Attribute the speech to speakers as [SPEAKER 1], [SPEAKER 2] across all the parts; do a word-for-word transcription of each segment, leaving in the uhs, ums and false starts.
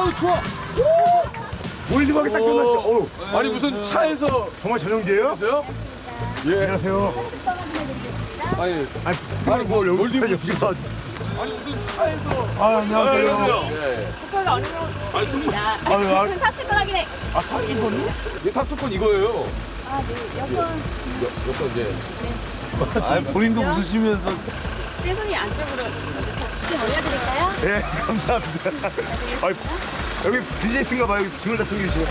[SPEAKER 1] 어우 추워.
[SPEAKER 2] 몰디브하게 딱 끝났어. 어우,
[SPEAKER 1] 아니 무슨 차에서
[SPEAKER 2] 정말 전용기예요?
[SPEAKER 1] 있어요? 예.
[SPEAKER 2] 안녕하세요.
[SPEAKER 1] 아니
[SPEAKER 2] 아니,
[SPEAKER 1] 아니 뭐 몰디브
[SPEAKER 2] 여기서.
[SPEAKER 1] 아니 무슨 차에서.
[SPEAKER 2] 아, 안녕하세요.
[SPEAKER 1] 예.
[SPEAKER 3] 그걸 어느 정도
[SPEAKER 1] 아니 승무.
[SPEAKER 2] 아유, 아,
[SPEAKER 3] 는 사실 거라긴 해.
[SPEAKER 2] 아, 탑승권이요?
[SPEAKER 1] 이 탑승권 이거예요.
[SPEAKER 3] 아, 네. 여권
[SPEAKER 1] 여- 여권 이제.
[SPEAKER 2] 아, 본인도 웃으시면서.
[SPEAKER 3] 세 분이 안쪽으로 혹시 올려드릴까요?
[SPEAKER 2] 예, 감사합니다. 아, 여기 비즈니스인가 봐요. 여기 짐을 다 챙겨주시네.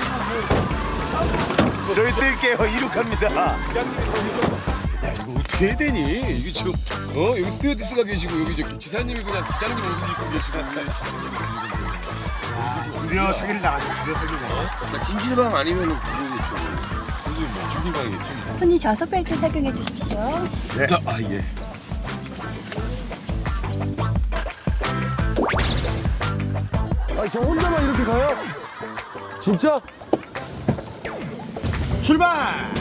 [SPEAKER 2] 저희 뛸게요. 이륙합니다.
[SPEAKER 1] 야 이거 어떻게 해야 되니? 이게 지금 어 여기 스튜어디스가 계시고 여기 이제 기사님이 그냥 기장님 옷을 입고 계시고 그냥 기사님이 옷을
[SPEAKER 2] 드디어 사기를 당하죠. 드디어 사기를 당하죠.
[SPEAKER 4] 찜질방 아니면 그거겠죠.
[SPEAKER 1] 입고 뭐 찜질방이겠지.
[SPEAKER 3] 손님 좌석 벨트 착용해 주십시오.
[SPEAKER 2] 네.
[SPEAKER 1] 자, 아 예. 아니 저 혼자만 이렇게 가요? 진짜?
[SPEAKER 2] 출발!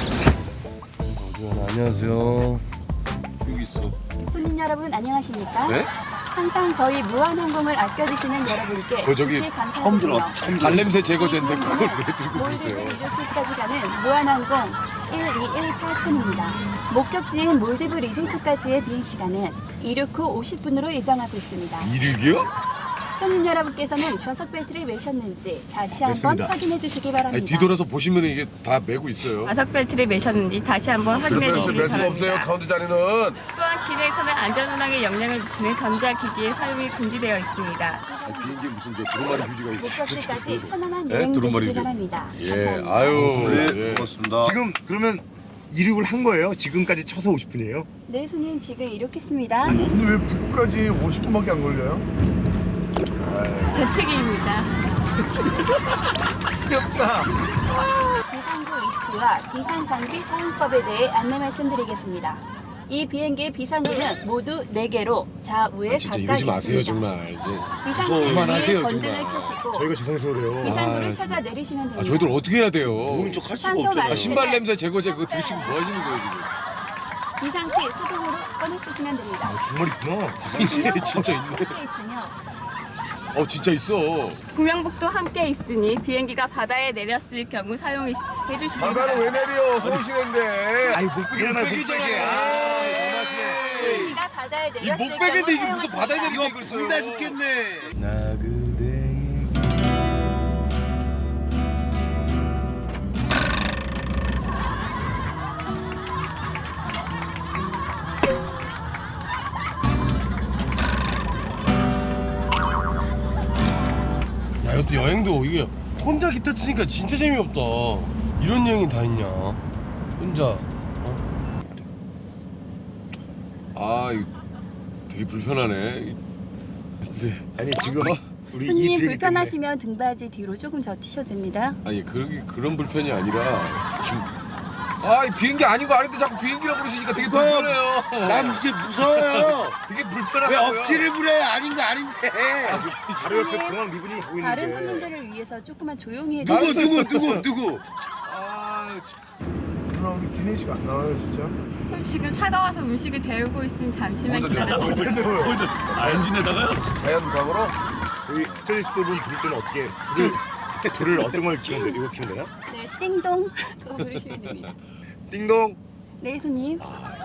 [SPEAKER 4] 안녕하세요.
[SPEAKER 1] 여기 있어.
[SPEAKER 3] 손님 여러분 안녕하십니까?
[SPEAKER 1] 네?
[SPEAKER 3] 항상 저희 무한항공을 아껴주시는 여러분께
[SPEAKER 1] 그 저기
[SPEAKER 3] 깊이 감사드리며
[SPEAKER 1] 발냄새 제거제인데 그걸 왜 들고
[SPEAKER 3] 몰디브
[SPEAKER 1] 계세요?
[SPEAKER 3] 리조트까지 가는 무한항공 일이일팔 편입니다. 목적지인 몰디브 리조트까지의 비행시간은 이륙 후 오십 분으로 예정하고 있습니다.
[SPEAKER 1] 이륙이요?
[SPEAKER 3] 손님 여러분께서는 좌석 벨트를 매셨는지 다시 한번
[SPEAKER 2] 됐습니다.
[SPEAKER 3] 확인해 주시기 바랍니다.
[SPEAKER 1] 아니 뒤돌아서 보시면 이게 다 메고 있어요.
[SPEAKER 5] 좌석 벨트를 매셨는지 다시 한번 확인해 주시기 바랍니다.
[SPEAKER 1] 카운트 자리는.
[SPEAKER 5] 또한 기내에서는 안전운항에 영향을 미치는 전자기기의 사용이 금지되어 있습니다.
[SPEAKER 1] 아니, 비행기 무슨 저 두루마리 휴지가 있어요.
[SPEAKER 3] 목적지까지 편안한
[SPEAKER 1] 네,
[SPEAKER 3] 여행
[SPEAKER 1] 두루마리
[SPEAKER 3] 되시기
[SPEAKER 1] 휴지.
[SPEAKER 3] 바랍니다.
[SPEAKER 1] 예,
[SPEAKER 3] 감사합니다.
[SPEAKER 1] 아유.
[SPEAKER 4] 네,
[SPEAKER 1] 예.
[SPEAKER 4] 고맙습니다.
[SPEAKER 2] 지금 그러면 이륙을 한 거예요? 지금까지 쳐서 오십 분이에요?
[SPEAKER 3] 네, 손님 지금 이륙했습니다.
[SPEAKER 2] 근데 왜 북구까지 오십 분밖에 안 걸려요?
[SPEAKER 5] 제 책임입니다.
[SPEAKER 2] 귀엽다.
[SPEAKER 3] 비상구 위치와 비상장비 사용법에 대해 안내 말씀드리겠습니다. 이 비행기의 비상구는 모두 네 개로 좌우에
[SPEAKER 1] 아, 진짜
[SPEAKER 3] 각각
[SPEAKER 1] 이러지 마세요
[SPEAKER 3] 있습니다.
[SPEAKER 1] 정말. 이제.
[SPEAKER 3] 비상시
[SPEAKER 1] 그만하세요,
[SPEAKER 3] 위에 전등을
[SPEAKER 1] 정말.
[SPEAKER 3] 켜시고
[SPEAKER 2] 저희가 죄송해서 그래요.
[SPEAKER 3] 비상구를
[SPEAKER 1] 아,
[SPEAKER 3] 찾아 내리시면 됩니다.
[SPEAKER 1] 아 저희들 어떻게 해야 돼요?
[SPEAKER 4] 모른 척 할 수가
[SPEAKER 3] 산소
[SPEAKER 4] 없잖아요.
[SPEAKER 1] 아,
[SPEAKER 3] 마스크.
[SPEAKER 1] 신발 냄새 제거제 그거 드시고 뭐 하시는 거예요 지금?
[SPEAKER 3] 비상시 수동으로 꺼내 쓰시면 됩니다.
[SPEAKER 2] 정말 있구나.
[SPEAKER 1] 이게 진짜 있네.
[SPEAKER 3] 함께 있으며
[SPEAKER 1] 어 진짜 있어.
[SPEAKER 5] 구명복도 함께 있으니 비행기가 바다에 내렸을 경우 사용해 주시기 바랍니다.
[SPEAKER 1] 내려? 서울시내인데.
[SPEAKER 2] 아이, 못 빼잖아요. 못
[SPEAKER 1] 목베개잖아.
[SPEAKER 2] 빼게. 아, 너무하시네.
[SPEAKER 3] 비행기가 바다에
[SPEAKER 1] 이
[SPEAKER 3] 내렸을
[SPEAKER 1] 목베개인데
[SPEAKER 3] 경우
[SPEAKER 1] 이게 무슨 바다에
[SPEAKER 3] 사용하십니다.
[SPEAKER 1] 내리게 이걸 써요?
[SPEAKER 4] 불다 죽겠네.
[SPEAKER 2] 나 그대에게
[SPEAKER 6] 야 이것도 여행도 이게 혼자 기타 치니까 진짜 재미없다. 이런 여행이 다 있냐? 혼자.
[SPEAKER 1] 아 이거 되게 불편하네. 네.
[SPEAKER 2] 아니 지금
[SPEAKER 1] 어?
[SPEAKER 2] 우리 이
[SPEAKER 3] 손님
[SPEAKER 2] 비행기
[SPEAKER 3] 불편하시면 등받이 뒤로 조금 젖히셔도 됩니다.
[SPEAKER 1] 아니 그런 그런 불편이 아니라 지금 아이 비행기 아니고 아닌데 자꾸 비행기라고 그러시니까 되게 불편해요.
[SPEAKER 4] 난 이제 무서워요.
[SPEAKER 1] 되게
[SPEAKER 4] 왜
[SPEAKER 1] 불편하고요.
[SPEAKER 4] 억지를 부려? 아닌 거 아닌데.
[SPEAKER 2] 때문에 바로 옆에 공항 리본이 가고 있는데
[SPEAKER 3] 다른 손님들을 위해서 조금만 조용히
[SPEAKER 4] 누구
[SPEAKER 3] 해주세요.
[SPEAKER 4] 누구 누구 누구?
[SPEAKER 1] 아 참.
[SPEAKER 2] 누나 우리 기내식 안 나와요 진짜?
[SPEAKER 5] 그럼 지금 차가 와서 음식을 데우고 있으니 잠시만 기다려주세요.
[SPEAKER 1] 자연광으로
[SPEAKER 2] 저희 스트레스 분 부를 때는 어떻게 불을 불을 어떤 걸 키면 돼? 이거 키면 되나?
[SPEAKER 3] 네, 띵동 그거 부르시면 됩니다.
[SPEAKER 2] 띵동.
[SPEAKER 3] 네, 손님.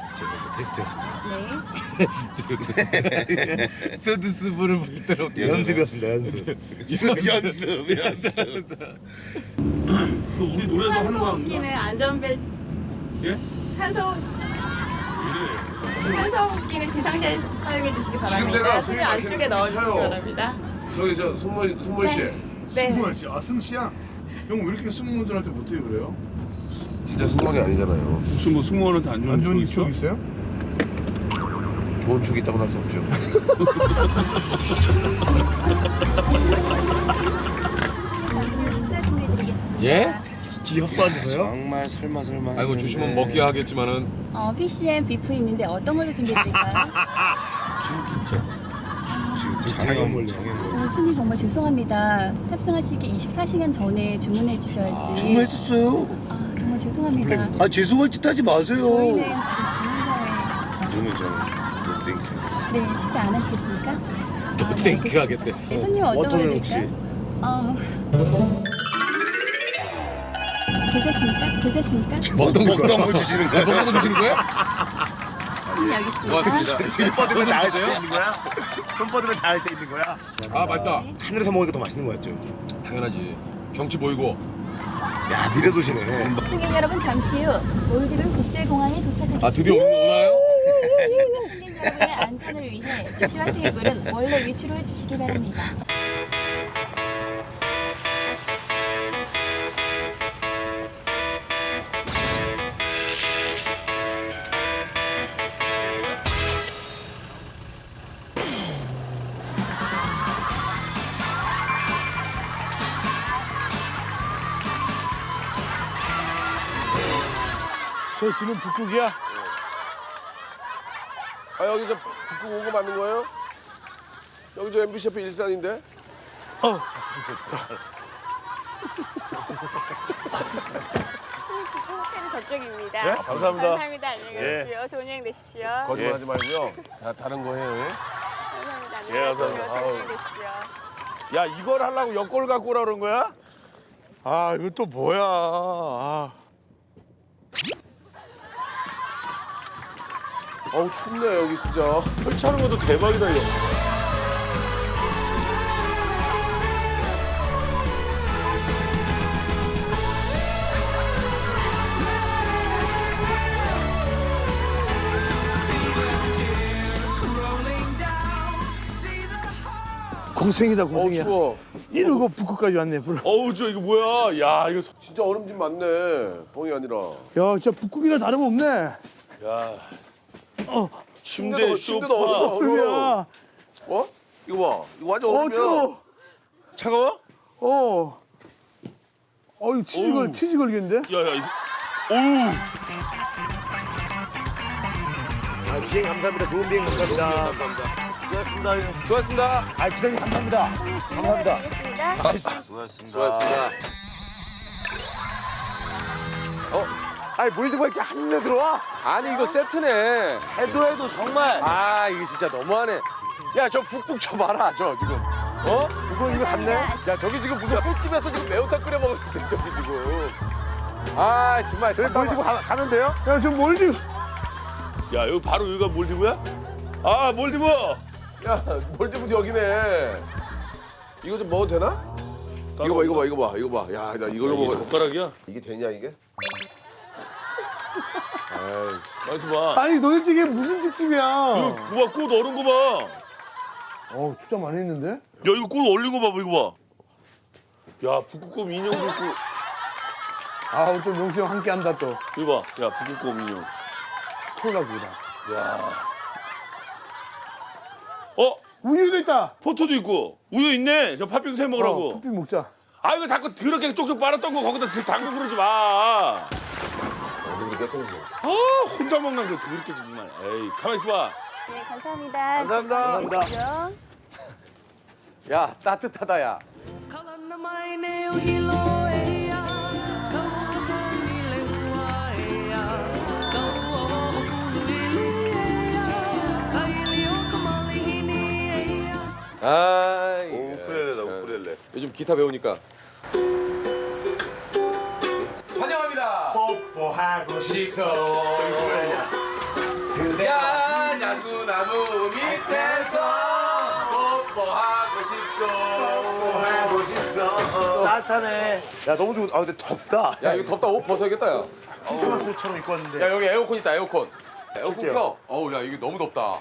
[SPEAKER 2] 제가 테스트였습니다.
[SPEAKER 1] 스튜디스부를 부를 때는 어떻게
[SPEAKER 2] 연습이었습니다. 연습.
[SPEAKER 4] 연습 연습. 우리 노래도 하는
[SPEAKER 5] 산소
[SPEAKER 4] 거
[SPEAKER 5] 호흡기는 안전벨트. 예? 산소. 산소 호흡기는 비상시에 사용해 주시기 바랍니다. 손을 안쪽에 넣어주시기 바랍니다.
[SPEAKER 1] 저기 저 승무 승무 씨
[SPEAKER 5] 네.
[SPEAKER 7] 승무원 씨, 아 승씨야? 형 왜 이렇게 승무원들한테 못해 그래요?
[SPEAKER 1] 진짜 승무원이 아니잖아요.
[SPEAKER 7] 혹시 뭐 승무원한테 안 좋은
[SPEAKER 2] 안 좋은
[SPEAKER 7] 추억
[SPEAKER 2] 추억 있어요?
[SPEAKER 1] 좋은 축이 있다고 할 수 없죠.
[SPEAKER 3] 잠시 후 식사 준비해드리겠습니다.
[SPEAKER 1] 예?
[SPEAKER 2] 기협사주세요?
[SPEAKER 4] 정말 설마 설마.
[SPEAKER 1] 아이고
[SPEAKER 4] 했는데.
[SPEAKER 1] 주시면 먹기 하겠지만은
[SPEAKER 3] 어, 피시앤 비프 있는데 어떤 걸로 준비해드릴까요?
[SPEAKER 4] 죽 있죠. 지금
[SPEAKER 2] 장애물.
[SPEAKER 4] 장애물 장애물.
[SPEAKER 3] 어, 손님 정말 죄송합니다. 탑승하시기 이십사 시간 전에 주문해 주셔야지.
[SPEAKER 4] 주문했었어요.
[SPEAKER 3] 아, 정말 죄송합니다.
[SPEAKER 4] 아 죄송할 짓 하지 마세요.
[SPEAKER 3] 저희는 지금 주문사에
[SPEAKER 4] 그러면 저는 땡큐.
[SPEAKER 3] 네, 식사 안 하시겠습니까?
[SPEAKER 1] 또 땡큐 하겠대.
[SPEAKER 3] 네, 손님 어떤 걸로
[SPEAKER 2] 워터멜 혹시?
[SPEAKER 3] 드릴까요? 어. 괜찮습니까? 괜찮습니까?
[SPEAKER 1] 먹던 거
[SPEAKER 4] 먹던 거 주시는 거야?
[SPEAKER 1] 먹던 거 주시는 거야?
[SPEAKER 3] 음, 여기 있습니다.
[SPEAKER 1] 고맙습니다.
[SPEAKER 2] 손 뻗으면 닿을 때 있는 거야? 손 뻗으면 닿을 때 있는 거야?
[SPEAKER 1] 아 맛있다.
[SPEAKER 2] 하늘에서 먹으니까 더 맛있는 거였죠.
[SPEAKER 1] 당연하지. 경치 보이고.
[SPEAKER 2] 야 미래도시네.
[SPEAKER 3] 승객 여러분 잠시 후 몰디브 국제공항에 도착하겠습니다.
[SPEAKER 1] 아 드디어 오- 오나요?
[SPEAKER 3] 비행기 승객 여러분의 안전을 위해 지지와 테이블은 원래 위치로 해주시기 바랍니다.
[SPEAKER 6] 저 지금 북극이야?
[SPEAKER 8] 아 여기 저 북극 온 거 맞는 거예요? 여기 저 엠비씨 옆에 일산인데?
[SPEAKER 5] 호텔은 저쪽입니다.
[SPEAKER 2] 네? 감사합니다.
[SPEAKER 5] 감사합니다. 안녕히 가십시오. 좋은 여행 되십시오.
[SPEAKER 8] 거짓말하지 말고요. 다 다른 거 해요. 예?
[SPEAKER 5] 감사합니다.
[SPEAKER 2] 예,
[SPEAKER 5] 안녕히 가십시오.
[SPEAKER 2] 감사합니다.
[SPEAKER 5] 좋은 여행 되십시오.
[SPEAKER 2] 야 이걸 하려고 여권을 갖고 오라 그런 거야?
[SPEAKER 6] 아 이거 또 뭐야? 아.
[SPEAKER 8] 어우 춥네 여기 진짜.
[SPEAKER 2] 설치하는 것도 대박이다 이거.
[SPEAKER 6] 공생이다
[SPEAKER 8] 어우
[SPEAKER 6] 공생이야.
[SPEAKER 8] 추워.
[SPEAKER 6] 이러고 북극까지 왔네. 불.
[SPEAKER 2] 어우 저 이거 뭐야? 야 이거 소-
[SPEAKER 8] 진짜 얼음집 많네. 뻥이 아니라.
[SPEAKER 6] 야 진짜 북극이나 다름없네.
[SPEAKER 2] 야. 침대
[SPEAKER 8] 침대도 침대도 얼음.
[SPEAKER 2] 소파.
[SPEAKER 8] 얼음.
[SPEAKER 6] 얼음이야.
[SPEAKER 8] 어? 이거 봐. 이거 완전
[SPEAKER 6] 어
[SPEAKER 8] 얼음이야.
[SPEAKER 6] 추워.
[SPEAKER 2] 차가워?
[SPEAKER 6] 어. 어이 치즈걸
[SPEAKER 2] 어우.
[SPEAKER 6] 치즈 걸겠는데?
[SPEAKER 2] 야야 이거. 오우. 아 비행 감사합니다. 좋은 비행 감사합니다.
[SPEAKER 8] 감사합니다.
[SPEAKER 2] 수고하셨습니다. 형.
[SPEAKER 8] 수고하셨습니다.
[SPEAKER 2] 아 기장님 감사합니다. 감사합니다.
[SPEAKER 8] 수고하셨습니다.
[SPEAKER 2] 아니 몰디브가 이렇게 한눈에 들어와?
[SPEAKER 8] 아니 이거 세트네.
[SPEAKER 2] 해도 해도 정말.
[SPEAKER 8] 아 이게 진짜 너무하네. 야 저 북극 저 봐라 저 지금. 어?
[SPEAKER 2] 이거 이거 갔네.
[SPEAKER 8] 야 저기 지금 무슨 횟집에서 지금 매운탕 끓여 먹는데 저기 지금. 아 정말.
[SPEAKER 2] 저희 몰디브 가, 가는데요?
[SPEAKER 6] 야 저 몰디브.
[SPEAKER 2] 야 여기 바로 여기가 몰디브야? 아 몰디브.
[SPEAKER 8] 야 몰디브 여기네. 이거 좀 먹어도 되나? 이거 봐 이거 봐 이거 봐 이거 봐. 야 나 이걸로
[SPEAKER 2] 이게
[SPEAKER 8] 먹어.
[SPEAKER 2] 젓가락이야?
[SPEAKER 8] 이게 되냐 이게? 아이
[SPEAKER 2] 맛있어 봐.
[SPEAKER 6] 아니 도대체 이게 무슨 특집이야?
[SPEAKER 2] 이거 봐, 꽃 얼은 거 봐.
[SPEAKER 6] 어 투자 많이 했는데?
[SPEAKER 2] 야 이거 꽃 얼린 거 봐봐 이거 봐. 야 북극곰 인형도 있고.
[SPEAKER 6] 아 또 명수 형 함께 한다 또.
[SPEAKER 2] 이거 봐. 야 북극곰 인형.
[SPEAKER 6] 콜라보다.
[SPEAKER 2] 야. 어?
[SPEAKER 6] 우유도 있다.
[SPEAKER 2] 포토도 있고 우유 있네. 저 팥빙수 해
[SPEAKER 6] 어,
[SPEAKER 2] 먹으라고.
[SPEAKER 6] 커피 먹자.
[SPEAKER 2] 아 이거 자꾸 더럽게 쪽쪽 빨았던 거 거기다 담고 그러지 마. 아 혼자 먹는 거 더럽게 정말. 에이 가만 있어봐.
[SPEAKER 5] 네, 감사합니다.
[SPEAKER 2] 감사합니다.
[SPEAKER 5] 감사합니다.
[SPEAKER 8] 야 따뜻하다 야. 아 이게
[SPEAKER 2] 우쿨렐레다
[SPEAKER 8] 참.
[SPEAKER 2] 우쿨렐레.
[SPEAKER 8] 요즘 기타 배우니까. 환영합니다.
[SPEAKER 2] 뽀뽀하고 싶어. 우쿨렐레야. 그대
[SPEAKER 8] 야 자수나무 밑에서 뽀뽀하고 싶소.
[SPEAKER 2] 뽀뽀하고 싶어. 따뜻하네. 야 너무 좋아. 아 근데 덥다.
[SPEAKER 8] 야 이거 덥다 옷 벗어야겠다 야.
[SPEAKER 2] 크리스마스처럼 입고 왔는데.
[SPEAKER 8] 야 여기 에어컨 있다 에어컨. 에어컨
[SPEAKER 2] 볼게요.
[SPEAKER 8] 켜. 어우 야 이게 너무 덥다.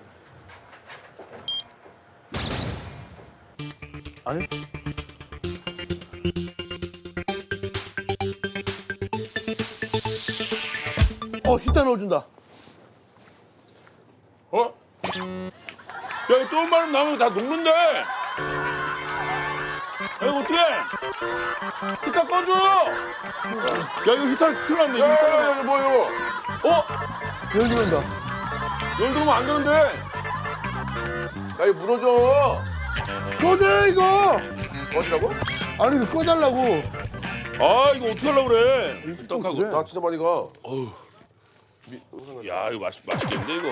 [SPEAKER 6] 아니? 어 히타 넣어준다.
[SPEAKER 2] 어? 야 이거 또 마름 나오면 다 녹는데. 야 이거 어떡해? 히타 꺼줘. 야 이거 히타 큰일 났네. 이거 히타.
[SPEAKER 8] 야야야 뭐 이거?
[SPEAKER 2] 어?
[SPEAKER 6] 열 들어온다.
[SPEAKER 2] 열 들어오면 안 되는데.
[SPEAKER 8] 야 이거 무너져.
[SPEAKER 6] 꺼져 이거.
[SPEAKER 8] 어디라고?
[SPEAKER 6] 아니 이거 꺼달라고.
[SPEAKER 2] 아 이거 어떻게 하려고 그래? 떡하고.
[SPEAKER 6] 그래.
[SPEAKER 8] 나 진짜 많이 가.
[SPEAKER 2] 어우. 야 이거 맛있 맛있겠는데 이거.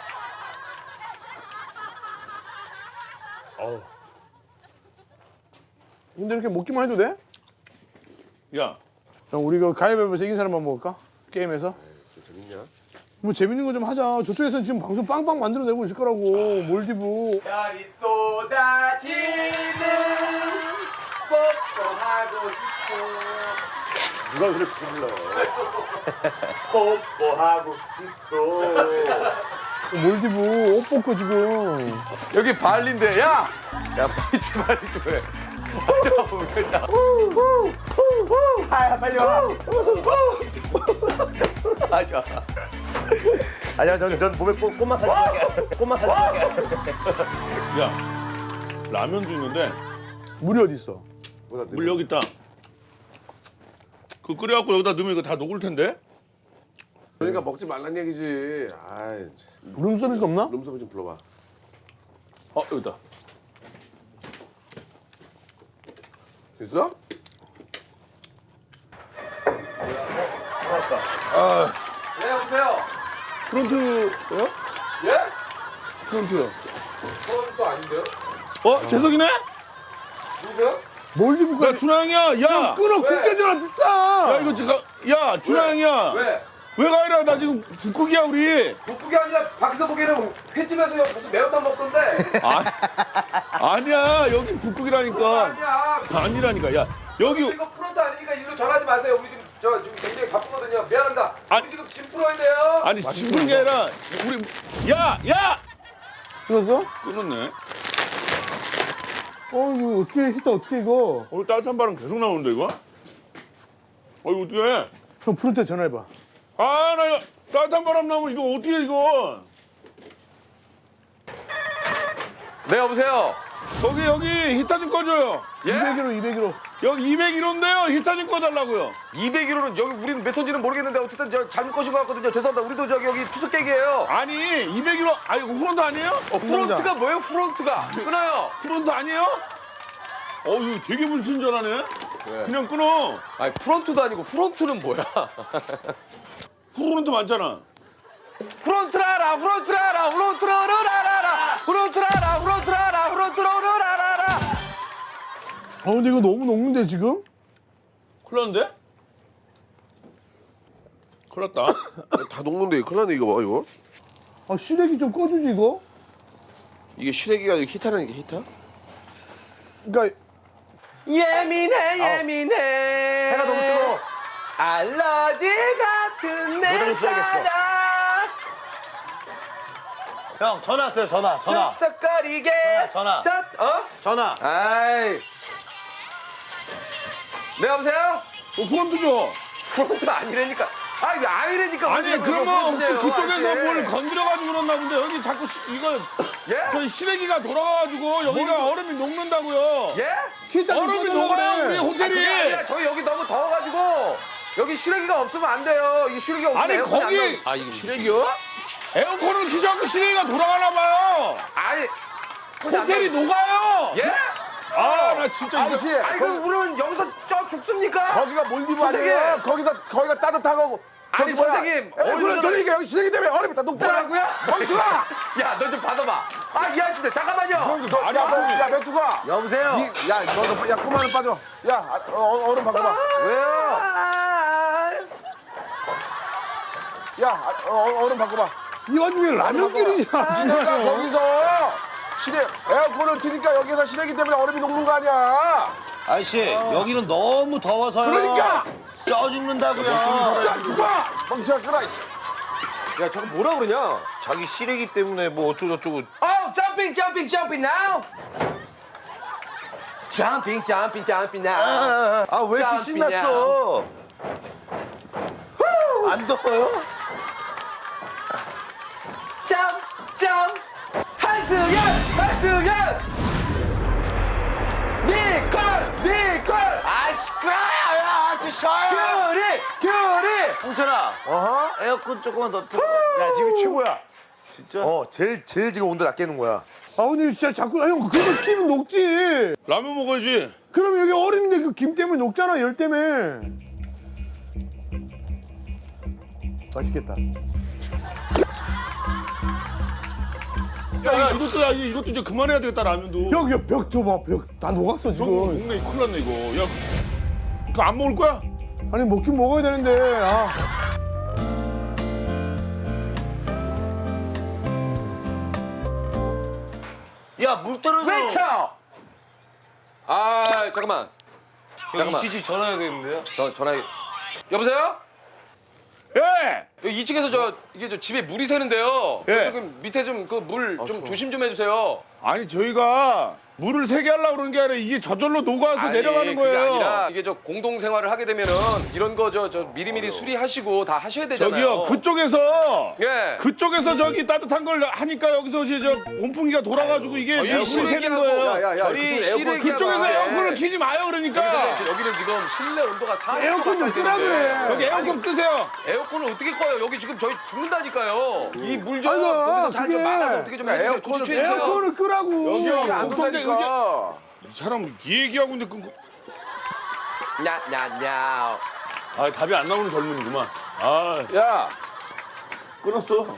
[SPEAKER 2] 어우. 근데 이렇게 먹기만 해도 돼?
[SPEAKER 8] 야,
[SPEAKER 2] 형 우리 그 가위바위보에서 이긴 사람만 먹을까? 게임에서?
[SPEAKER 8] 재밌냐?
[SPEAKER 2] 뭐 재밌는 거 좀 하자. 저쪽에서는 지금 방송 빵빵 만들어내고 있을 거라고. 몰디브.
[SPEAKER 1] 별이 쏟아지는 뽀뽀하고 싶어.
[SPEAKER 8] 누가 그렇게 불러?
[SPEAKER 1] 뽀뽀하고 싶어.
[SPEAKER 2] 몰디브 옷 벗고 지금.
[SPEAKER 1] 여기 발리인데 야! 야 빨리 빨리 좀 해. 아 빨리 와. 아니야.
[SPEAKER 6] 아니야, 전, 전 몸에 꼬, 꼬막 사진 꼬막 사진
[SPEAKER 2] 야
[SPEAKER 8] 라면도 있는데
[SPEAKER 2] 물이 어디 있어?
[SPEAKER 8] 물 여기 있다. 그 끓여갖고 여기다 넣으면 이거 다 녹을 텐데?
[SPEAKER 9] 그러니까 먹지 말란 얘기지. 아이, 참.
[SPEAKER 2] 룸서비스 없나?
[SPEAKER 9] 룸서비 좀 불러봐.
[SPEAKER 8] 어, 여기다.
[SPEAKER 9] 있어?
[SPEAKER 1] 네 여보세요.
[SPEAKER 8] 프론트요?
[SPEAKER 1] 예?
[SPEAKER 8] 프론트요.
[SPEAKER 1] 그건 또 아닌데요?
[SPEAKER 8] 어, 재석이네?
[SPEAKER 1] 누구세요?
[SPEAKER 2] 몰디브가
[SPEAKER 8] 야, 준하 형이야, 야!
[SPEAKER 2] 끊어.
[SPEAKER 1] 왜?
[SPEAKER 2] 국제전화 비싸.
[SPEAKER 8] 야, 이거 지금, 야, 준하 형이야.
[SPEAKER 1] 왜?
[SPEAKER 8] 왜 가이라? 나 지금 북극이야, 우리.
[SPEAKER 1] 북극이 아니라 밖에서 보기에는 횟집에서 무슨 매운탕 먹던데.
[SPEAKER 8] 아, 아니야, 여기 북극이라니까.
[SPEAKER 1] 아니야.
[SPEAKER 8] 아니라니까, 야. 여기,
[SPEAKER 1] 이거 프론트 아니니까 일로 전화하지 마세요. 우리 지금 저 지금 굉장히 바쁘거든요. 미안합니다.
[SPEAKER 8] 아니.
[SPEAKER 1] 우리 지금 짐 풀어야 돼요.
[SPEAKER 8] 아니, 죽은 게 아니라, 우리, 야, 야!
[SPEAKER 2] 끊었어?
[SPEAKER 8] 끊었네.
[SPEAKER 2] 어 이거 어떻게 히터 어떻게 이거?
[SPEAKER 8] 오늘 따뜻한 바람 계속 나오는데, 이거? 어, 이거 어떡해?
[SPEAKER 2] 형 프론트에 전화해봐.
[SPEAKER 8] 아, 나 이거 따뜻한 바람 나오면 이거 어떻게, 이거?
[SPEAKER 1] 네 여보세요.
[SPEAKER 8] 거기, 여기, 히터 좀 꺼줘요.
[SPEAKER 1] 예?
[SPEAKER 2] 이백 킬로 이백 킬로.
[SPEAKER 8] 여기 이백 킬로인데요. 히터 좀 꺼달라고요.
[SPEAKER 1] 이백 킬로는 여기 우리는 몇 톤지는 모르겠는데 어쨌든 저 잘못 거신 것 같거든요. 죄송합니다. 우리도 저기 여기 투숙객이에요.
[SPEAKER 8] 아니, 이백 킬로, 아, 이거 후런트 아니에요?
[SPEAKER 1] 어, 프론트가 뭐예요? 프론트가 끊어요.
[SPEAKER 8] 프론트 아니에요? 어, 이거 되게 불친절하네. 그냥 끊어.
[SPEAKER 1] 아니 프론트도 아니고 프론트는 뭐야?
[SPEAKER 8] 후런트 많잖아.
[SPEAKER 1] 프론트라라 프론트라라 프론트라라라라 프론트라라 프론트라라 프론트라라라라.
[SPEAKER 2] 어 근데 이거 너무 녹는데 지금?
[SPEAKER 8] 큰일 났는데? 큰일 났다.
[SPEAKER 9] 다 녹는데 큰일 났네, 이거 봐, 이거.
[SPEAKER 2] 아 시래기 좀 꺼주지 이거?
[SPEAKER 9] 이게 시래기가 아니고 히타라는 게 히타?
[SPEAKER 2] 그러니까
[SPEAKER 1] 예민해 예민해.
[SPEAKER 6] 해가 너무 뜨거워.
[SPEAKER 1] 알러지 같은 내
[SPEAKER 6] 노래 써야겠어.
[SPEAKER 1] 사랑.
[SPEAKER 6] 형, 전화 왔어요, 전화, 전화.
[SPEAKER 1] 쩍쩍거리게.
[SPEAKER 6] 전화.
[SPEAKER 1] 자, 어?
[SPEAKER 6] 전화.
[SPEAKER 1] 아이. 네 여보세요?
[SPEAKER 8] 어, 후런트 줘.
[SPEAKER 1] 프론트 아니라니까. 아니 아니라니까.
[SPEAKER 8] 아니,
[SPEAKER 1] 왜
[SPEAKER 8] 그러면 혹시
[SPEAKER 1] 프론트네요,
[SPEAKER 8] 그쪽에서
[SPEAKER 1] 아저씨.
[SPEAKER 8] 뭘 건드려가지고 그랬나 본데 여기 자꾸 시, 이거
[SPEAKER 1] 예?
[SPEAKER 8] 저희 시래기가 돌아가가지고 여기가 얼음이 녹는다고요.
[SPEAKER 1] 예?
[SPEAKER 2] 히터 좀
[SPEAKER 8] 얼음이
[SPEAKER 2] 꺼달라
[SPEAKER 8] 녹아요,
[SPEAKER 2] 그래.
[SPEAKER 8] 우리
[SPEAKER 1] 아,
[SPEAKER 8] 호텔이.
[SPEAKER 1] 그게 아니라 저희 여기 너무 더워가지고 여기 시래기가 없으면 안 돼요. 이 시래기가 없으면
[SPEAKER 8] 아니,
[SPEAKER 1] 에어컨이 안
[SPEAKER 8] 거기
[SPEAKER 1] 나오고.
[SPEAKER 9] 아, 이게 시래기요?
[SPEAKER 8] 에어컨을 키셔갖고 시래기가 돌아가나 봐요.
[SPEAKER 1] 아니
[SPEAKER 8] 호텔이 녹아요.
[SPEAKER 1] 예?
[SPEAKER 8] 아, 나 진짜 이거.
[SPEAKER 9] 아저씨,
[SPEAKER 1] 아니 그럼 우리는 여기서 저 죽습니까?
[SPEAKER 9] 거기가 몰디브
[SPEAKER 1] 선생님.
[SPEAKER 9] 아니에요? 거기서, 거기가 따뜻하고.
[SPEAKER 1] 아니 선생님
[SPEAKER 9] 에어컨을 돌리니까 여기 시래기 때문에 얼음이 다 녹잖아.
[SPEAKER 1] 뭐라고요?
[SPEAKER 9] 멍청아!
[SPEAKER 1] 야 너 좀 받아봐. 아 이 아저씨들 잠깐만요.
[SPEAKER 9] 너, 야, 너, 야, 멘투가.
[SPEAKER 6] 여보세요?
[SPEAKER 9] 이, 야, 너, 너, 야, 꼬마는 빠져. 야, 아, 어, 얼음 바꿔봐.
[SPEAKER 6] 왜요?
[SPEAKER 1] 아,
[SPEAKER 9] 야, 아, 어, 얼음 바꿔봐.
[SPEAKER 2] 이 와중에 라면끼리냐?
[SPEAKER 9] 내가 거기서 시래 에어컨을 트니까 여기서 시래기 때문에 얼음이 녹는 거 아니야.
[SPEAKER 4] 아저씨 여기는 너무 더워서요.
[SPEAKER 9] 그러니까!
[SPEAKER 4] 쪄 죽는다고요.
[SPEAKER 9] 자, 누가 멍청아 끄라.
[SPEAKER 1] 야 저거 뭐라 그러냐?
[SPEAKER 4] 자기 시래기 때문에 뭐 어쩌고저쩌고.
[SPEAKER 1] Oh, jumping, jumping, jumping now. Jumping, jumping, jumping now.
[SPEAKER 4] 아 왜 이렇게
[SPEAKER 1] 짬피냐.
[SPEAKER 4] 신났어? 안 더워요?
[SPEAKER 1] Jump, jump. 한승연, 한승연. 니콜, 니콜. 아 시끄러워요, 드셔요. 귤이, 귤이.
[SPEAKER 4] 홍철아. 어허? 에어컨 조금만 더 틀어.
[SPEAKER 2] 야 지금 최고야.
[SPEAKER 4] 진짜?
[SPEAKER 2] 어 제일 제일 지금 온도 낮게 놓은 거야. 아 근데 진짜 자꾸 아, 형 그거 끼면 녹지.
[SPEAKER 8] 라면 먹어야지.
[SPEAKER 2] 그럼 여기 얼음인데 그 김 때문에 녹잖아 열 때문에. 맛있겠다. 야, 야 이것도 야 이것도 이제 그만해야 되겠다 라면도.
[SPEAKER 7] 형, 야, 벽 줘봐. 벽 다 녹았어,
[SPEAKER 2] 형
[SPEAKER 7] 지금.
[SPEAKER 2] 먹네 이거 큰일 났네 이거. 야 그거 안 먹을 거야?
[SPEAKER 7] 아니, 먹긴 먹어야 되는데. 아.
[SPEAKER 4] 야, 물 떨어져.
[SPEAKER 1] 외쳐! 아 잠깐만.
[SPEAKER 4] 형,
[SPEAKER 1] 잠깐만.
[SPEAKER 4] 이치지 전화해야 되는데요?
[SPEAKER 1] 저 전화. 여보세요?
[SPEAKER 2] 예.
[SPEAKER 1] 여기 이 층에서 저 이게 저 집에 물이 새는데요.
[SPEAKER 2] 예.
[SPEAKER 1] 조금 밑에 좀 그 물 좀 조심 좀 해주세요.
[SPEAKER 2] 아니 저희가 물을 세게 하려고 그러는 게 아니라 이게 저절로 녹아서
[SPEAKER 1] 아니,
[SPEAKER 2] 내려가는
[SPEAKER 1] 그게
[SPEAKER 2] 거예요.
[SPEAKER 1] 아니라 이게 저 공동 생활을 하게 되면은 이런 거 저 저 미리미리 수리하시고 다 하셔야 되잖아요.
[SPEAKER 2] 저기요 그쪽에서
[SPEAKER 1] 예.
[SPEAKER 2] 그쪽에서 저기 따뜻한 걸 하니까 여기서 이제 저 온풍기가 돌아가지고 이게
[SPEAKER 1] 저희
[SPEAKER 2] 지금 물이 새는
[SPEAKER 1] 실외기하고-
[SPEAKER 2] 거예요.
[SPEAKER 8] 야, 야,
[SPEAKER 1] 저희
[SPEAKER 8] 그쪽 에어컨-
[SPEAKER 1] 실외기하고
[SPEAKER 2] 그쪽에서
[SPEAKER 1] 하는데
[SPEAKER 2] 에어컨을 키지 마요 그러니까.
[SPEAKER 1] 여기서 여기는 지금 실내 온도가 사
[SPEAKER 7] 에어컨 좀 끄라 그래.
[SPEAKER 2] 저기 에어컨 끄세요.
[SPEAKER 1] 에어컨을 어떻게 꺼요? 여기 지금 저희 죽는다니까요. 이 물 좀
[SPEAKER 7] 아이고,
[SPEAKER 1] 거기서 잘 좀
[SPEAKER 7] 그게-
[SPEAKER 1] 막아서 어떻게 좀 해주세요.
[SPEAKER 8] 에어컨을
[SPEAKER 1] 조치해 주세요.
[SPEAKER 7] 에어컨을 끄라고.
[SPEAKER 2] 여기요.
[SPEAKER 8] 이게 안
[SPEAKER 2] 공통된
[SPEAKER 8] 된다니까.
[SPEAKER 2] 이 사람 이 얘기하고 있는데 끊고.
[SPEAKER 1] 냐냐냐.
[SPEAKER 2] 아 답이 안 나오는 젊은이구만. 아
[SPEAKER 8] 야,
[SPEAKER 2] 끊었어.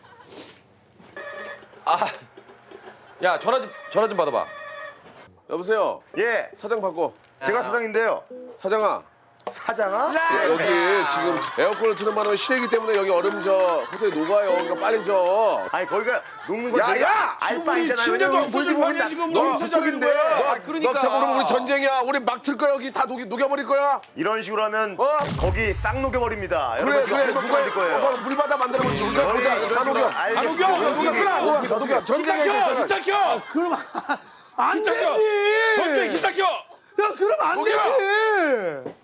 [SPEAKER 1] 아, 야 전화 좀 전화 좀 받아봐.
[SPEAKER 8] 여보세요.
[SPEAKER 4] 예,
[SPEAKER 8] 사장 바꿔.
[SPEAKER 4] 제가 사장인데요.
[SPEAKER 8] 사장아.
[SPEAKER 4] 사장아?
[SPEAKER 8] 여기 지금 에어컨을 트는 바람에 실외기 때문에 여기 얼음 저 호텔이 녹아요. 그러니까 빨리 줘.
[SPEAKER 4] 아니, 거기가 녹는 거
[SPEAKER 8] 야,
[SPEAKER 4] 내가
[SPEAKER 8] 야!
[SPEAKER 4] 알
[SPEAKER 2] 지금
[SPEAKER 4] 바
[SPEAKER 2] 우리
[SPEAKER 4] 있잖아요.
[SPEAKER 2] 침대도
[SPEAKER 4] 왜냐면
[SPEAKER 2] 없어질
[SPEAKER 4] 물이
[SPEAKER 2] 판이야
[SPEAKER 4] 나-
[SPEAKER 2] 지금
[SPEAKER 8] 너
[SPEAKER 2] 너무 세자인데.
[SPEAKER 8] 너,
[SPEAKER 1] 아, 그러니까.
[SPEAKER 8] 너 잡으면 우리 전쟁이야. 우리 막 틀 거야. 여기 다 녹이, 녹여버릴 거야.
[SPEAKER 4] 이런 식으로 하면
[SPEAKER 8] 어?
[SPEAKER 4] 거기 싹 녹여버립니다.
[SPEAKER 8] 그래,
[SPEAKER 4] 여러분 지금
[SPEAKER 8] 그래.
[SPEAKER 4] 한번
[SPEAKER 8] 누가
[SPEAKER 4] 만들 거예요.
[SPEAKER 8] 누가 물바다 만들어보자. 녹여 보자.
[SPEAKER 4] 이런
[SPEAKER 8] 다 녹여.
[SPEAKER 4] 식으로 알겠습니다.
[SPEAKER 2] 안 녹여, 안 녹여,
[SPEAKER 4] 여기-
[SPEAKER 2] 안
[SPEAKER 8] 녹여, 녹여. 전쟁이야.
[SPEAKER 2] 히타 켜,
[SPEAKER 8] 이제.
[SPEAKER 2] 히타 켜.
[SPEAKER 7] 그럼 안
[SPEAKER 2] 히타 켜.
[SPEAKER 7] 되지.
[SPEAKER 2] 전쟁 히타 켜.
[SPEAKER 7] 야, 그럼 안 되지.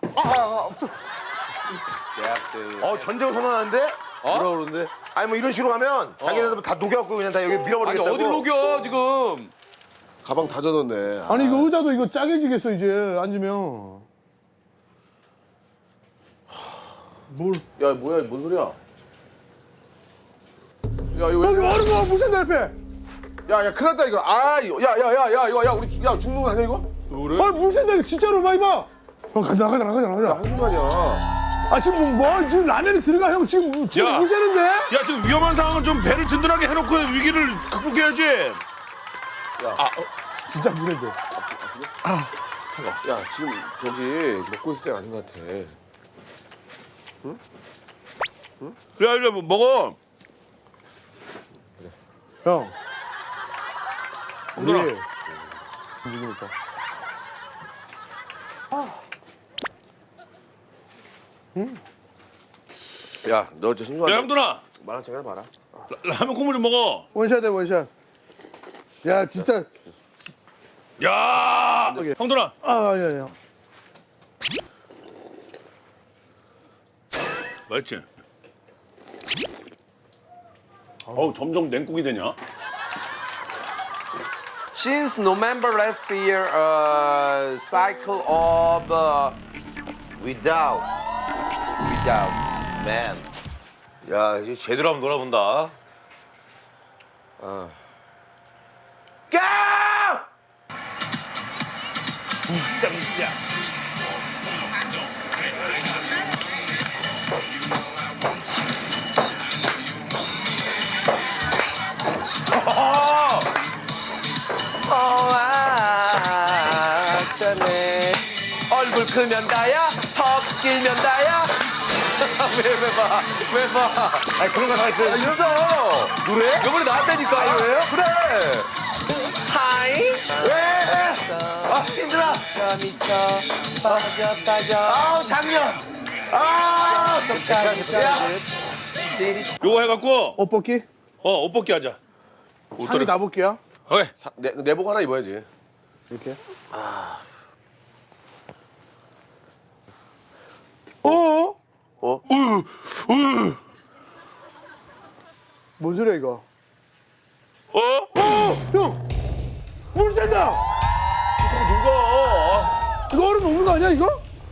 [SPEAKER 4] 어, 전쟁 선언하는데?
[SPEAKER 1] 어?
[SPEAKER 4] 뭐라 그러는데? 아니 뭐 이런 식으로 하면 자기네들 다 녹여갖고 그냥 다 여기
[SPEAKER 1] 아니
[SPEAKER 4] 밀어버리겠다고.
[SPEAKER 1] 어딜 녹여 지금?
[SPEAKER 8] 가방 다 젖었네.
[SPEAKER 7] 아니, 이거 의자도 이거 짜게지겠어, 이제. 앉으면. 뭘.
[SPEAKER 8] 야, 뭐야? 뭔 소리야? 야, 이거
[SPEAKER 7] 여기
[SPEAKER 8] 왜?
[SPEAKER 7] 얼음 무슨 달패.
[SPEAKER 8] 야, 야, 큰일 났다 이거. 아, 이거. 야, 야, 야, 야, 이거, 야, 우리, 야, 죽는 거 아니야 이거?
[SPEAKER 7] 아니, 무슨 달패. 진짜로 많이 봐. 형, 가자, 가자, 가자, 가자.
[SPEAKER 8] 한순간이야.
[SPEAKER 7] 아, 지금 뭐, 뭐, 지금 라면이 들어가, 형. 지금, 지금
[SPEAKER 2] 야.
[SPEAKER 7] 물 새는데?
[SPEAKER 2] 야 지금 위험한 상황은 좀 배를 든든하게 해놓고 위기를 극복해야지.
[SPEAKER 7] 진짜 물에 돼.
[SPEAKER 8] 야, 지금 저기 먹고 있을 때가 아닌 것 같아.
[SPEAKER 2] 야 이제 뭐 먹어.
[SPEAKER 7] 형.
[SPEAKER 2] 누나.
[SPEAKER 7] 우리 움직이니까.
[SPEAKER 8] 야, 너 저
[SPEAKER 2] 야
[SPEAKER 8] 심심한데
[SPEAKER 2] 형들아
[SPEAKER 8] 말한 척 해봐라.
[SPEAKER 2] 라면 국물 좀 먹어.
[SPEAKER 7] 원샷해, 원샷. 야, 진짜.
[SPEAKER 2] 야 형들아
[SPEAKER 7] 아, 야, 야.
[SPEAKER 2] 맛있지? 어우 점점 냉국이 되냐?
[SPEAKER 1] Since November last year, a cycle of uh,
[SPEAKER 4] Without
[SPEAKER 1] without.
[SPEAKER 4] man. 야, 이제 제대로 한번 놀아본다.
[SPEAKER 1] 어.
[SPEAKER 4] 까!
[SPEAKER 2] 진짜 진짜.
[SPEAKER 1] 어쩌네. 얼굴 크면 다야, 턱 길면 다야. 왜, 왜 봐, 왜 봐.
[SPEAKER 4] 아니 그런 거 다 있어요.
[SPEAKER 1] 있어.
[SPEAKER 4] 노래?
[SPEAKER 1] 이번에 나왔다니까.
[SPEAKER 4] 아, 그래요?
[SPEAKER 1] 그래. 하이.
[SPEAKER 4] 왜? 아, 힘들어.
[SPEAKER 1] 미쳐, 미쳐. 빠져, 빠져.
[SPEAKER 4] 아우, 작년. 아, 야,
[SPEAKER 2] 요거 해갖고
[SPEAKER 7] 옷 벗기?
[SPEAKER 2] 어 옷 벗기 하자.
[SPEAKER 7] 상의 다 볼게요.
[SPEAKER 2] 오케이.
[SPEAKER 8] 사, 내, 내복 하나 입어야지.
[SPEAKER 7] 이렇게. 어?
[SPEAKER 8] 어?
[SPEAKER 7] 뭔 소리야, 이거?
[SPEAKER 2] 어?
[SPEAKER 7] 어! 형! 물 샌다!
[SPEAKER 2] 누가?
[SPEAKER 7] 이거 얼음 녹는 거 아니야, 이거?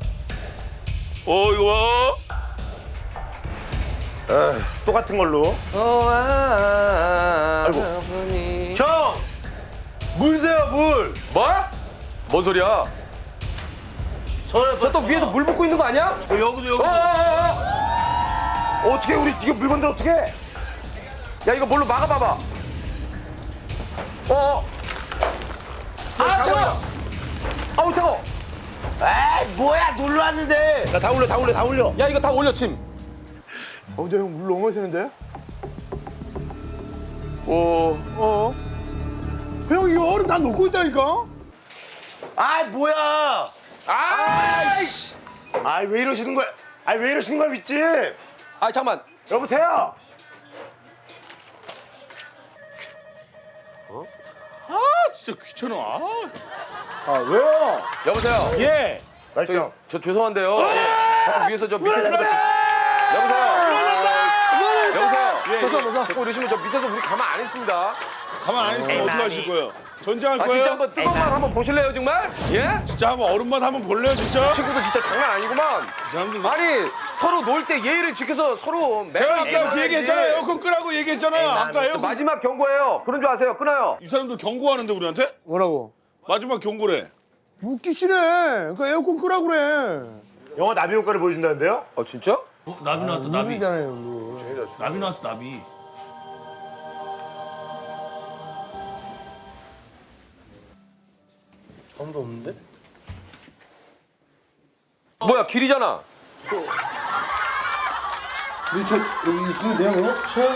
[SPEAKER 2] 어 이거.
[SPEAKER 4] 똑같은 걸로.
[SPEAKER 1] 아이고.
[SPEAKER 4] 형, 물 세요 물.
[SPEAKER 1] 뭐? 뭔 소리야?
[SPEAKER 4] 저는
[SPEAKER 1] 저 또 위에서 물 붓고 있는 거 아니야?
[SPEAKER 4] 어, 여기도 여기.
[SPEAKER 1] 어, 어, 어.
[SPEAKER 4] 어떻게 우리 이거 물건들 어떻게?
[SPEAKER 1] 야 이거 뭘로 막아봐봐.
[SPEAKER 4] 어. 아 차가. 아우 차가.
[SPEAKER 9] 에이 뭐야 놀러 왔는데. 나 다 올려 다 올려 다 올려.
[SPEAKER 4] 야 이거 다 올려 침.
[SPEAKER 7] 어, 근데 형 물 너무 많이 새는데?
[SPEAKER 8] 오.
[SPEAKER 7] 어? 형 이거 얼음 다 녹고 있다니까?
[SPEAKER 9] 아 뭐야.
[SPEAKER 4] 아이씨.
[SPEAKER 9] 아이 왜 이러시는 거야? 아이 왜 이러시는 거야 윗집?
[SPEAKER 4] 아 잠만.
[SPEAKER 9] 여보세요.
[SPEAKER 2] 아 진짜 귀찮아. 아,
[SPEAKER 9] 아 왜요?
[SPEAKER 4] 여보세요.
[SPEAKER 9] 예.
[SPEAKER 4] 저기,
[SPEAKER 9] 말씀.
[SPEAKER 4] 저 죄송한데요. 예. 자꾸 위에서 저 밑에서 그렇지. 여보세요. 여보세요.
[SPEAKER 2] 예, 예.
[SPEAKER 4] 자꾸 이러시면 저 밑에서 우리 가만 안 있습니다.
[SPEAKER 2] 가만 안 있으면 어떻게 하실 거예요? 전쟁할
[SPEAKER 4] 아
[SPEAKER 2] 거예요?
[SPEAKER 4] 진짜 한번 뜨거운 말 한번 보실래요 정말? 예?
[SPEAKER 2] 진짜 한번 얼음맛 한번 볼래요 진짜?
[SPEAKER 4] 친구도 진짜 장난 아니구만.
[SPEAKER 2] 이 사람들
[SPEAKER 4] 아니 서로 놀 때 예의를 지켜서 서로
[SPEAKER 2] 제가
[SPEAKER 4] 매너있게
[SPEAKER 2] 아까 그 얘기했잖아요.
[SPEAKER 4] 말해야지.
[SPEAKER 2] 에어컨 끄라고 얘기했잖아요. 아까 에어컨.
[SPEAKER 4] 마지막 경고예요. 그런 줄 아세요? 끊어요.
[SPEAKER 2] 이 사람들 경고하는데 우리한테?
[SPEAKER 7] 뭐라고?
[SPEAKER 2] 마지막 경고래.
[SPEAKER 7] 웃기시네. 그 에어컨 끄라고 그래.
[SPEAKER 9] 영화 나비 효과를 보여준다는데요?
[SPEAKER 4] 어 진짜?
[SPEAKER 2] 나비 나왔다 나비.
[SPEAKER 7] 물이잖아요, 물.
[SPEAKER 2] 나비 나왔어 나비.
[SPEAKER 6] 아무도 없는데?
[SPEAKER 4] 뭐야 길이잖아.
[SPEAKER 6] 우리 저 여기 있으면 돼요 그냥? 쉬어요?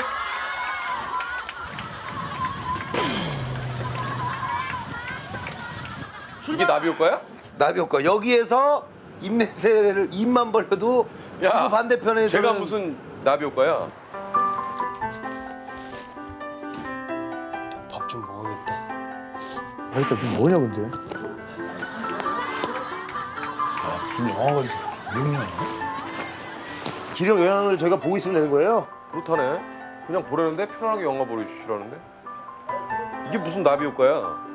[SPEAKER 4] 이게 나비 효과야?
[SPEAKER 9] 나비 효과. 여기에서 입냄새를 입만 벌려도
[SPEAKER 4] 야,
[SPEAKER 9] 그 반대편에서
[SPEAKER 4] 제가 무슨 나비 효과야?
[SPEAKER 6] 밥 좀 먹어야겠다.
[SPEAKER 7] 아, 일단 좀 뭐냐 근데?
[SPEAKER 2] 지금 영화가 유명해.
[SPEAKER 9] 기력 영향을 저희가 보고 있으면 되는 거예요?
[SPEAKER 4] 그렇다네. 그냥 보려는데 편안하게 영화 보여주시라는데. 이게 무슨 나비 효과야?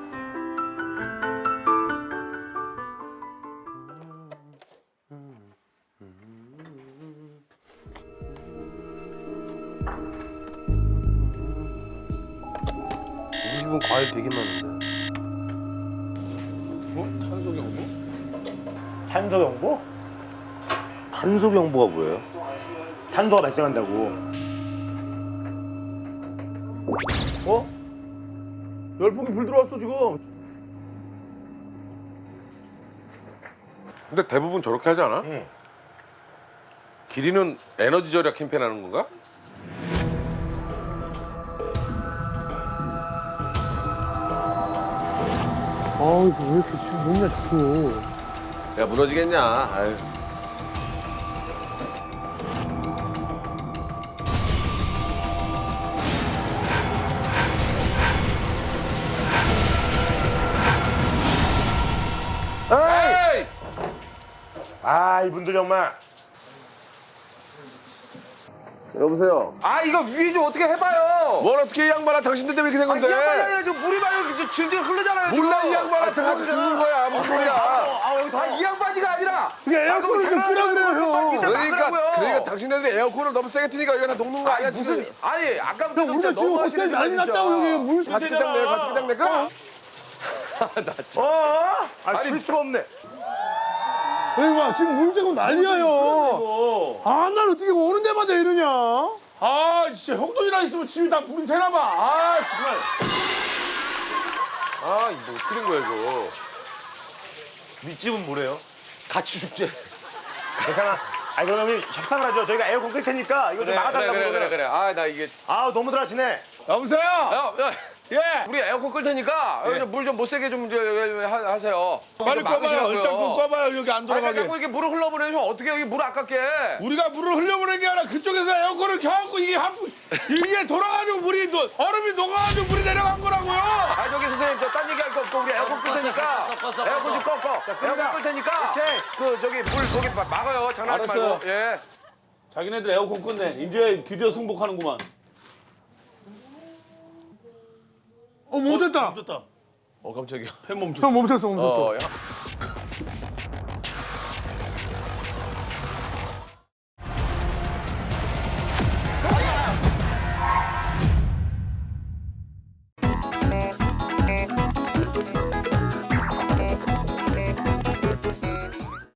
[SPEAKER 6] 우리 집은 과일 되게 많은데.
[SPEAKER 2] 탄소 경고?
[SPEAKER 9] 탄소 경보? 탄소 경보가 뭐예요? 탄소가 발생한다고.
[SPEAKER 2] 어? 열풍이 불 들어왔어 지금.
[SPEAKER 8] 근데 대부분 저렇게 하지 않아?
[SPEAKER 4] 응. 길이는 에너지 절약 캠페인 하는 건가?
[SPEAKER 7] 아, 이거 왜 이렇게 지금 먹냐 자꾸.
[SPEAKER 8] 야 무너지겠냐? 아유.
[SPEAKER 4] 에이!
[SPEAKER 9] 아 이분들 정말.
[SPEAKER 8] 여보세요.
[SPEAKER 4] 아 이거 위에 좀 어떻게 해봐요.
[SPEAKER 8] 뭘 어떻게 이 양반아 당신들 때문에 이렇게 된
[SPEAKER 4] 아, 이
[SPEAKER 8] 건데?
[SPEAKER 4] 양반이 아니라 지금 물이 막 이렇게 질질 흐르잖아요.
[SPEAKER 8] 몰라
[SPEAKER 4] 지금.
[SPEAKER 8] 이 양반한테 같이 죽는 거야. 뭔 소리야?
[SPEAKER 4] 아, 이 양반이가 아니라.
[SPEAKER 7] 그게 에어컨을 좀 끄라 그래요, 형.
[SPEAKER 8] 그러니까 그러니까 당신들이 에어컨을 너무 세게 트니까 여기가 다 녹는 거 아니야
[SPEAKER 4] 무슨
[SPEAKER 8] 지금?
[SPEAKER 4] 아니 아까부터
[SPEAKER 7] 형,
[SPEAKER 4] 진짜
[SPEAKER 7] 우리가 지금
[SPEAKER 4] 너무
[SPEAKER 7] 호텔
[SPEAKER 4] 하시는
[SPEAKER 7] 난리 났다고 여기 물
[SPEAKER 8] 같이
[SPEAKER 7] 새잖아.
[SPEAKER 8] 끝장 내, 같이 끝장 내까?
[SPEAKER 9] 어? 아, 줄 수가 없네.
[SPEAKER 7] 여기 봐, 지금 물 새고 난리야, 형. 아, 난 어떻게 오는 데마다 이러냐?
[SPEAKER 2] 아 진짜 형돈이랑 있으면 집이 다 불이 새나 봐. 아 정말.
[SPEAKER 4] 아 이거 어떻게 된 거야 이거.
[SPEAKER 9] 윗집은 뭐래요?
[SPEAKER 4] 같이 죽지.
[SPEAKER 9] 괜찮아. 아 그러면 우리 협상을 하죠. 저희가 에어컨 끌 테니까 이거 좀
[SPEAKER 4] 그래 그래
[SPEAKER 9] 막아달라고
[SPEAKER 4] 그래 그래
[SPEAKER 9] 그러면.
[SPEAKER 4] 그래. 아 나 이게.
[SPEAKER 9] 아 너무들 하시네.
[SPEAKER 2] 여보세요.
[SPEAKER 4] 야, 야.
[SPEAKER 2] 예.
[SPEAKER 4] 우리 에어컨 끌 테니까 물 좀 못 새게 좀 저, 하- 하세요.
[SPEAKER 2] 빨리
[SPEAKER 4] 좀
[SPEAKER 2] 꺼봐요.
[SPEAKER 4] 막으시라고요.
[SPEAKER 2] 일단 그거 꺼봐요. 여기 안
[SPEAKER 4] 아니
[SPEAKER 2] 들어가게.
[SPEAKER 4] 자꾸 이렇게 물을 흘러보내면 어떻게 여기 물 아깝게.
[SPEAKER 2] 우리가 물을 흘려보낸 게 아니라 그쪽에서 에어컨을 켜갖고 이게 한 이게 돌아가지고 물이 노, 얼음이 녹아가지고 물이 내려간 거라고요.
[SPEAKER 4] 아 저기 선생님 저 딴 얘기할 거 없고 우리 에어컨 끌 테니까 에어컨 좀 꺼꺼 에어컨 끌 테니까 그 저기 물 거기 막- 막아요. 장난하지
[SPEAKER 2] 알았어요.
[SPEAKER 4] 말고. 예.
[SPEAKER 2] 자기네들 에어컨 끝내. 이제 드디어 승복하는구만.
[SPEAKER 7] 어, 멈췄다.
[SPEAKER 2] 멈췄다.
[SPEAKER 8] 어 깜짝이야.
[SPEAKER 2] 팬 멈췄어.
[SPEAKER 7] 형 멈췄어, 멈췄어.
[SPEAKER 8] 어, 야,